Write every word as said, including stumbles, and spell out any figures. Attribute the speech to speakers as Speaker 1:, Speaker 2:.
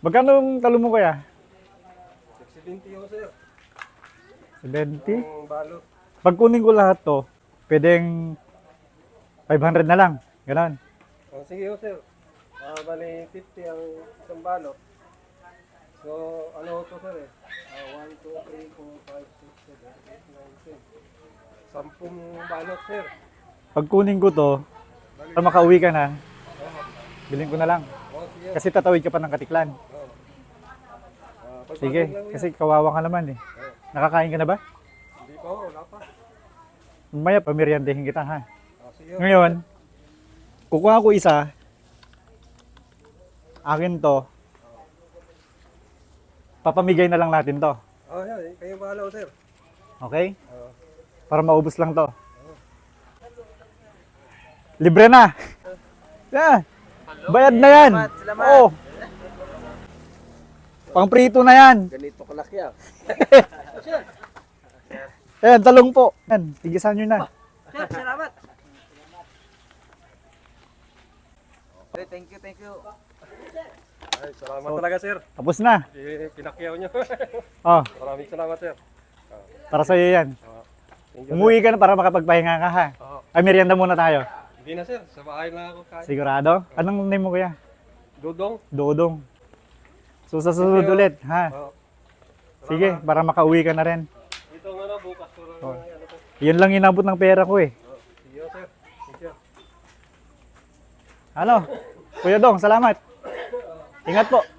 Speaker 1: Magkano ang talo mo kuya?
Speaker 2: seventy ho sir.
Speaker 1: seventy?
Speaker 2: Ang balot.
Speaker 1: Pag kunin ko lahat to, pwedeng five hundred na lang. Ganon.
Speaker 2: Oh, sige ho sir. Ah, bali fifty ang isang balot. So, ano to sir eh? Ah, one, two, three, four, five, six, seven, eight, nine, ten. Sampung balot sir.
Speaker 1: Pag kunin ko to, para makauwi ka na, bilhin ko na lang.
Speaker 2: Oh, sige.
Speaker 1: Kasi tatawid ka pa ng Katiklan.
Speaker 2: Oh. Ah, pag-
Speaker 1: Sige,
Speaker 2: lang yan.
Speaker 1: kasi kawawa ka naman eh. Nakakain ka na ba?
Speaker 2: Hindi pa ho, wala pa.
Speaker 1: Mamaya pamiryandehin kita ha.
Speaker 2: Ah, sige ho.
Speaker 1: Ngayon, kukuha ko isa. Akin to. Papamigay na lang natin to.
Speaker 2: Oh, yan. Kayo bahala ho sir.
Speaker 1: Okay?
Speaker 2: Oh.
Speaker 1: Para maubos lang to. Libre na. Yeah. Bayad na yan. Oo. Pang-prito na yan.
Speaker 2: Ganito kalaki ah.
Speaker 1: Ayan, talong po. Yan, tigisan nyo na.
Speaker 3: Sir, salamat. Okay, thank you, thank you.
Speaker 2: Ay, salamat talaga sir.
Speaker 1: Tapos na.
Speaker 2: Eh, pinakyaw nyo.
Speaker 1: Oh,
Speaker 2: Maraming salamat sir.
Speaker 1: para sa'yo yan.
Speaker 2: Ah, thank you,
Speaker 1: Umuwi ka na para makapagpahinga ka ha.
Speaker 2: Oo.
Speaker 1: Ay, merienda muna tayo.
Speaker 2: Hindi na sir, sa bahay na ako kain.
Speaker 1: Sigurado? Anong name mo kuya?
Speaker 2: Dudong.
Speaker 1: Dodong. So sa susunod ulit, ha?
Speaker 2: Oo.
Speaker 1: Sige, para makauwi ka na rin.
Speaker 2: Ito nga na bukas ko lang.
Speaker 1: Oh.
Speaker 2: Ano to?
Speaker 1: Yun lang inabot ng pera ko eh.
Speaker 2: Oh, sige ho, sir. Thank you.
Speaker 1: Ano? Kuya Dong, salamat. Ingat po.